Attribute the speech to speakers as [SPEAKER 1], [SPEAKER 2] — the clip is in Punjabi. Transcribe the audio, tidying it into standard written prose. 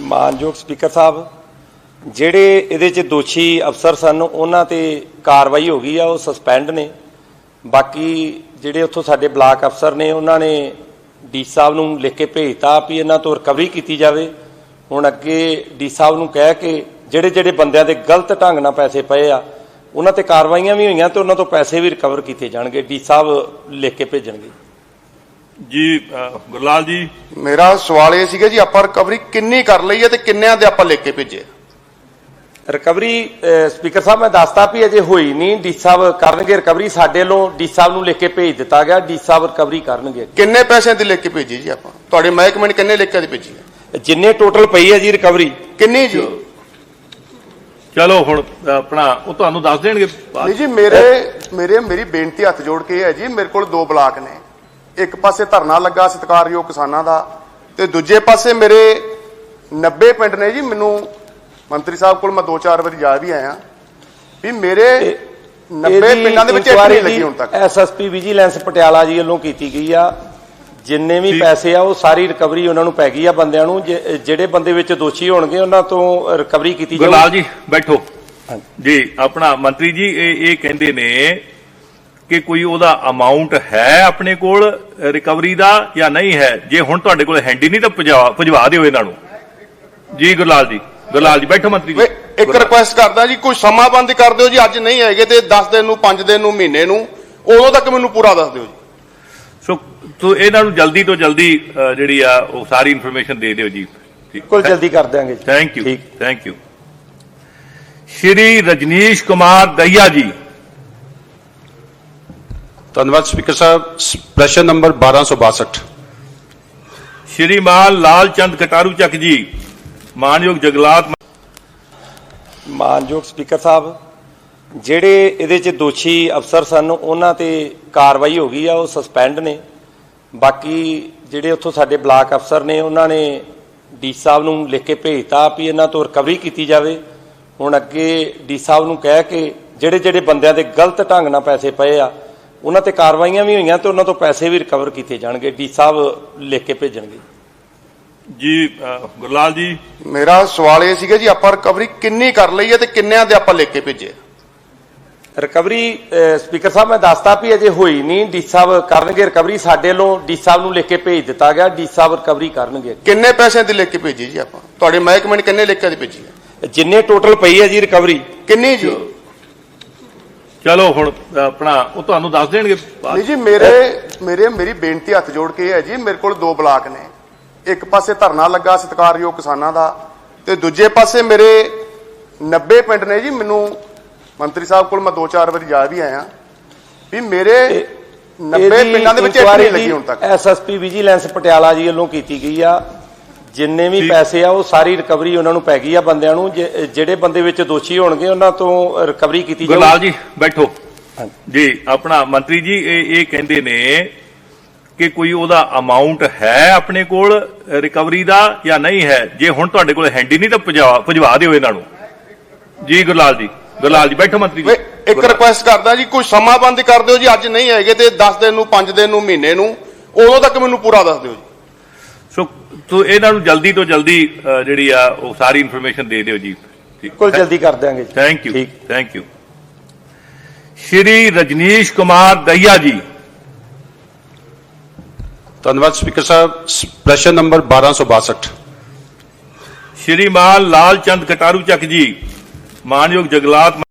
[SPEAKER 1] ਮਾਨਯੋਗ ਸਪੀਕਰ ਸਾਹਿਬ, ਜਿਹੜੇ ਇਹਦੇ 'ਚ ਦੋਸ਼ੀ ਅਫਸਰ ਸਨ ਉਹਨਾਂ ਤੇ ਕਾਰਵਾਈ ਹੋ ਗਈ ਆ, ਉਹ ਸਸਪੈਂਡ ਨੇ। ਬਾਕੀ ਜਿਹੜੇ ਉੱਥੋਂ ਸਾਡੇ ਬਲਾਕ ਅਫਸਰ ਨੇ ਉਹਨਾਂ ਨੇ ਡੀ ਸਾਹਿਬ ਨੂੰ ਲਿਖ ਕੇ ਭੇਜਤਾ ਵੀ ਇਹਨਾਂ ਤੋਂ ਰਿਕਵਰੀ ਕੀਤੀ ਜਾਵੇ। ਹੁਣ ਅੱਗੇ ਡੀ ਸਾਹਿਬ ਨੂੰ ਕਹਿ ਕੇ ਜਿਹੜੇ ਜਿਹੜੇ ਬੰਦਿਆਂ ਦੇ ਗਲਤ ਢੰਗ ਨਾਲ ਪੈਸੇ ਪਏ ਆ ਉਹਨਾਂ ਤੇ ਕਾਰਵਾਈਆਂ ਵੀ ਹੋਈਆਂ ਤੇ ਉਹਨਾਂ ਤੋਂ ਪੈਸੇ ਵੀ ਰਿਕਵਰ ਕੀਤੇ ਜਾਣਗੇ। ਡੀ ਸਾਹਿਬ ਲਿਖ ਕੇ ਭੇਜਣਗੇ।
[SPEAKER 2] ਜੀ ਗੁਰਲਾਲ ਜੀ,
[SPEAKER 3] ਮੇਰਾ ਸਵਾਲ ਇਹ ਸੀਗਾ ਜੀ, ਆਪਾਂ ਰਿਕਵਰੀ ਕਿੰਨੀ ਕਰ ਲਈ ਹੈ ਤੇ ਕਿੰਨਿਆਂ ਦੇ ਆਪਾਂ ਲਿਖ ਕੇ ਭੇਜੇ?
[SPEAKER 1] ਰਿਕਵਰੀ ਸਪੀਕਰ ਸਾਹਿਬ ਮੈਂ ਦੱਸਤਾ ਵੀ ਅਜੇ ਹੋਈ ਨਹੀਂ, ਡੀ ਸਾਹਿਬ ਕਰਨਗੇ ਰਿਕਵਰੀ। ਸਾਡੇ ਵੱਲੋਂ ਡੀ ਸਾਹਿਬ ਨੂੰ ਲਿਖ ਕੇ ਭੇਜ ਦਿੱਤਾ ਗਿਆ, ਡੀ ਸਾਹਿਬ ਰਿਕਵਰੀ ਕਰਨਗੇ।
[SPEAKER 3] ਕਿੰਨੇ ਪੈਸਿਆਂ ਦੀ ਲਿਖ ਕੇ ਭੇਜੀ ਜੀ ਆਪਾਂ? ਤੁਹਾਡੇ ਮਹਿਕਮੇ ਨੇ ਕਿੰਨੇ ਲਿਖ ਕੇ ਭੇਜੀ ਹੈ?
[SPEAKER 1] ਜਿੰਨੇ ਟੋਟਲ ਪਈ ਹੈ ਜੀ ਰਿਕਵਰੀ।
[SPEAKER 3] ਕਿੰਨੀ ਜੀ?
[SPEAKER 2] ਚਲੋ ਹੁਣ ਆਪਣਾ ਉਹ ਤੁਹਾਨੂੰ ਦੱਸ ਦੇਣਗੇ।
[SPEAKER 3] ਨਹੀਂ ਜੀ, ਮੇਰੀ ਬੇਨਤੀ ਹੱਥ ਜੋੜ ਕੇ ਹੈ ਜੀ, ਮੇਰੇ ਕੋਲ 2 ਬਲਾਕ ਨੇ। ਇੱਕ ਪਾਸੇ ਧਰਨਾ ਲੱਗਾ ਸਤਿਕਾਰਯੋਗ ਕਿਸਾਨਾਂ ਦਾ ਤੇ ਦੂਜੇ ਪਾਸੇ ਮੇਰੇ 90 ਪਿੰਡ ਨੇ ਜੀ। ਮੈਨੂੰ ਮੰਤਰੀ ਸਾਹਿਬ ਕੋਲ ਮੈਂ 2-4 ਵਾਰੀ ਜਾ ਵੀ ਆਇਆ ਵੀ ਮੇਰੇ 90 ਪਿੰਡਾਂ ਦੇ ਵਿੱਚ ਇੱਕ ਨਹੀਂ ਲੱਗੀ ਹੁਣ ਤੱਕ।
[SPEAKER 1] ਐਸਐਸਪੀ ਵਿਜੀਲੈਂਸ ਪਟਿਆਲਾ ਜੀ ਵੱਲੋਂ ਕੀਤੀ ਗਈ ਆ। ਜਿੰਨੇ ਵੀ ਪੈਸੇ ਆ ਉਹ ਸਾਰੀ ਰਿਕਵਰੀ ਉਹਨਾਂ ਨੂੰ ਪੈ ਗਈ ਆ ਬੰਦਿਆਂ ਨੂੰ। ਜਿਹੜੇ ਬੰਦੇ ਵਿੱਚ ਦੋਸ਼ੀ ਹੋਣਗੇ ਉਹਨਾਂ ਤੋਂ ਰਿਕਵਰੀ ਕੀਤੀ ਜਾਊਗੀ।
[SPEAKER 2] ਗੁਰਲਾਲ ਜੀ ਬੈਠੋ ਜੀ। ਆਪਣਾ ਮੰਤਰੀ ਜੀ ਇਹ ਕਹਿੰਦੇ ਨੇ ਕਿ ਕੋਈ ਉਹਦਾ ਅਮਾਉਂਟ ਹੈ ਆਪਣੇ ਕੋਲ ਰਿਕਵਰੀ ਦਾ ਜਾਂ ਨਹੀਂ ਹੈ? ਜੇ ਹੁਣ ਤੁਹਾਡੇ ਕੋਲ ਹੈਂਡੀ ਨਹੀਂ ਤਾਂ ਭਜਵਾ ਦਿਓ ਇਹਨਾਂ ਨੂੰ। ਜੀ ਗੁਰਲਾਲ ਜੀ ਬੈਠੋ ਮੰਤਰੀ ਜੀ।
[SPEAKER 3] ਇੱਕ ਰਿਕੁਐਸਟ ਕਰਦਾ ਜੀ, ਕੋਈ ਸਮਾਂ ਬੰਦ ਕਰ ਦਿਓ ਜੀ। ਅੱਜ ਨਹੀਂ ਹੈਗੇ ਤੇ 10 ਦਿਨ ਨੂੰ, 5 ਦਿਨ ਨੂੰ, ਮਹੀਨੇ ਨੂੰ, ਉਦੋਂ ਤੱਕ ਮੈਨੂੰ ਪੂਰਾ ਦੱਸ ਦਿਓ ਜੀ।
[SPEAKER 2] ਸੋ ਇਹਨਾਂ ਨੂੰ ਜਲਦੀ ਤੋਂ ਜਲਦੀ ਜਿਹੜੀ ਆ ਉਹ ਸਾਰੀ ਇਨਫੋਰਮੇਸ਼ਨ ਦੇ ਦਿਓ ਜੀ।
[SPEAKER 1] ਬਿਲਕੁਲ ਜਲਦੀ ਕਰ ਦਿਆਂਗੇ ਜੀ।
[SPEAKER 2] Thank you. ਸ਼੍ਰੀ ਰਜਨੀਸ਼ ਕੁਮਾਰ ਦਹੀਆ ਜੀ।
[SPEAKER 4] ਧੰਨਵਾਦ ਸਪੀਕਰ ਸਾਹਿਬ। ਪ੍ਰਸ਼ਨ ਨੰਬਰ 1262।
[SPEAKER 2] ਸ਼੍ਰੀਮਾਨ ਲਾਲ ਚੰਦ ਕਟਾਰੂ ਚੱਕ ਜੀ। ਮਾਨਯੋਗ ਜੰਗਲਾਤ।
[SPEAKER 1] ਮਾਨਯੋਗ ਸਪੀਕਰ ਸਾਹਿਬ, ਜਿਹੜੇ ਇਹਦੇ 'ਚ ਦੋਸ਼ੀ ਅਫਸਰ ਸਨ ਉਹਨਾਂ ਤੇ ਕਾਰਵਾਈ ਹੋ ਗਈ ਆ, ਉਹ ਸਸਪੈਂਡ ਨੇ। ਬਾਕੀ ਜਿਹੜੇ ਉੱਥੋਂ ਸਾਡੇ ਬਲਾਕ ਅਫਸਰ ਨੇ ਉਹਨਾਂ ਨੇ ਡੀ ਸਾਹਿਬ ਨੂੰ ਲਿਖ ਕੇ ਭੇਜਤਾ ਵੀ ਇਹਨਾਂ ਤੋਂ ਰਿਕਵਰੀ ਕੀਤੀ ਜਾਵੇ। ਹੁਣ ਅੱਗੇ ਡੀ ਸਾਹਿਬ ਨੂੰ ਕਹਿ ਕੇ ਜਿਹੜੇ ਜਿਹੜੇ ਬੰਦਿਆਂ ਦੇ ਗਲਤ ਢੰਗ ਨਾਲ ਪੈਸੇ ਪਏ ਆ ਉਹਨਾਂ ਤੇ ਕਾਰਵਾਈਆਂ ਵੀ ਹੋਈਆਂ ਤੇ ਉਹਨਾਂ ਤੋਂ ਪੈਸੇ ਵੀ ਰਿਕਵਰ ਕੀਤੇ ਜਾਣਗੇ। ਡੀ ਸਾਹਿਬ ਲਿਖ ਕੇ ਭੇਜਣਗੇ।
[SPEAKER 2] ਜੀ ਗੁਰਲਾਲ ਜੀ,
[SPEAKER 3] ਮੇਰਾ ਸਵਾਲ ਇਹ ਸੀਗਾ ਜੀ, ਆਪਾਂ ਰਿਕਵਰੀ ਕਿੰਨੀ ਕਰ ਲਈ ਹੈ ਤੇ ਕਿੰਨਿਆਂ ਦੇ ਆਪਾਂ ਲਿਖ ਕੇ ਭੇਜੇ?
[SPEAKER 1] ਰਿਕਵਰੀ ਸਪੀਕਰ ਸਾਹਿਬ ਮੈਂ ਦੱਸਤਾ ਵੀ ਅਜੇ ਹੋਈ ਨਹੀਂ, ਡੀ ਸਾਹਿਬ ਕਰਨਗੇ ਰਿਕਵਰੀ। ਸਾਡੇ ਵੱਲੋਂ ਡੀ ਸਾਹਿਬ ਨੂੰ ਲਿਖ ਕੇ ਭੇਜ ਦਿੱਤਾ ਗਿਆ, ਡੀ ਸਾਹਿਬ ਰਿਕਵਰੀ ਕਰਨਗੇ।
[SPEAKER 3] ਕਿੰਨੇ ਪੈਸਿਆਂ ਦੀ ਲਿਖ ਕੇ ਭੇਜੀ ਜੀ ਆਪਾਂ? ਤੁਹਾਡੇ ਮਹਿਕਮੇ ਨੇ ਕਿੰਨੇ ਲਿਖ ਕੇ ਭੇਜੀ ਹੈ?
[SPEAKER 1] ਜਿੰਨੇ ਟੋਟਲ ਪਈ ਹੈ ਜੀ ਰਿਕਵਰੀ।
[SPEAKER 3] ਕਿੰਨੀ ਜੀ?
[SPEAKER 2] ਚਲੋ ਹੁਣ ਆਪਣਾ ਉਹ ਤੁਹਾਨੂੰ ਦੱਸ ਦੇਣਗੇ।
[SPEAKER 3] ਨਹੀਂ ਜੀ, ਮੇਰੀ ਬੇਨਤੀ ਹੱਥ ਜੋੜ ਕੇ ਹੈ ਜੀ, ਮੇਰੇ ਕੋਲ 2 ਬਲਾਕ ਨੇ। ਇੱਕ ਪਾਸੇ ਧਰਨਾ ਲੱਗਾ ਸਤਿਕਾਰਯੋਗ ਕਿਸਾਨਾਂ ਦਾ ਤੇ ਦੂਜੇ ਪਾਸੇ ਮੇਰੇ 90 ਪਿੰਡ ਨੇ ਜੀ। ਮੈਨੂੰ ਮੰਤਰੀ ਸਾਹਿਬ ਕੋਲ ਮੈਂ 2-4 ਵਾਰੀ ਜਾ ਵੀ ਆਇਆ ਵੀ ਮੇਰੇ 90 ਪਿੰਡਾਂ ਦੇ ਵਿੱਚ ਇੱਕ ਨਹੀਂ ਲੱਗੀ ਹੁਣ ਤੱਕ।
[SPEAKER 1] ਐਸਐਸਪੀ ਵਿਜੀਲੈਂਸ ਪਟਿਆਲਾ ਜੀ ਵੱਲੋਂ ਕੀਤੀ ਗਈ ਆ। ਜਿੰਨੇ ਵੀ ਪੈਸੇ ਆ ਉਹ ਸਾਰੀ ਰਿਕਵਰੀ ਉਹਨਾਂ ਨੂੰ ਪੈ ਗਈ ਆ ਬੰਦਿਆਂ ਨੂੰ। ਜਿਹੜੇ ਬੰਦੇ ਵਿੱਚ ਦੋਸ਼ੀ ਹੋਣਗੇ ਉਹਨਾਂ ਤੋਂ ਰਿਕਵਰੀ ਕੀਤੀ ਜਾਊਗੀ।
[SPEAKER 2] ਗੁਰਲਾਲ ਜੀ ਬੈਠੋ ਜੀ। ਆਪਣਾ ਮੰਤਰੀ ਜੀ ਇਹ ਕਹਿੰਦੇ ਨੇ ਕਿ ਕੋਈ ਉਹਦਾ ਅਮਾਉਂਟ ਹੈ ਆਪਣੇ ਕੋਲ ਰਿਕਵਰੀ ਦਾ ਜਾਂ ਨਹੀਂ ਹੈ? ਜੇ ਹੁਣ ਤੁਹਾਡੇ ਕੋਲ ਹੈਂਡੀ ਨਹੀਂ ਤਾਂ ਭਜਵਾ ਦਿਓ ਇਹਨਾਂ ਨੂੰ। ਜੀ ਗੁਰਲਾਲ ਜੀ ਬੈਠੋ ਮੰਤਰੀ ਜੀ।
[SPEAKER 3] ਇੱਕ ਰਿਕੁਐਸਟ ਕਰਦਾ ਜੀ, ਕੋਈ ਸਮਾਂ ਬੰਦ ਕਰ ਦਿਓ ਜੀ। ਅੱਜ ਨਹੀਂ ਹੈਗੇ ਤੇ 10 ਦਿਨ ਨੂੰ, 5 ਦਿਨ ਨੂੰ, ਮਹੀਨੇ ਨੂੰ, ਉਦੋਂ ਤੱਕ ਮੈਨੂੰ ਪੂਰਾ ਦੱਸ ਦਿਓ ਜੀ।
[SPEAKER 2] ਸੋ ਇਹਨਾਂ ਨੂੰ ਜਲਦੀ ਤੋਂ ਜਲਦੀ ਜਿਹੜੀ ਆ ਉਹ ਸਾਰੀ ਇਨਫੋਰਮੇਸ਼ਨ ਦੇ ਦਿਓ ਜੀ।
[SPEAKER 1] ਬਿਲਕੁਲ ਜਲਦੀ ਕਰ ਦਿਆਂਗੇ ਜੀ।
[SPEAKER 2] Thank you. ਸ਼੍ਰੀ ਰਜਨੀਸ਼ ਕੁਮਾਰ ਦਹੀਆ ਜੀ।
[SPEAKER 4] ਧੰਨਵਾਦ ਸਪੀਕਰ ਸਾਹਿਬ। ਪ੍ਰਸ਼ਨ ਨੰਬਰ 1262।
[SPEAKER 2] ਸ਼੍ਰੀਮਾਨ ਲਾਲ ਚੰਦ ਕਟਾਰੂ ਚੱਕ ਜੀ। ਮਾਨਯੋਗ ਜੰਗਲਾਤ।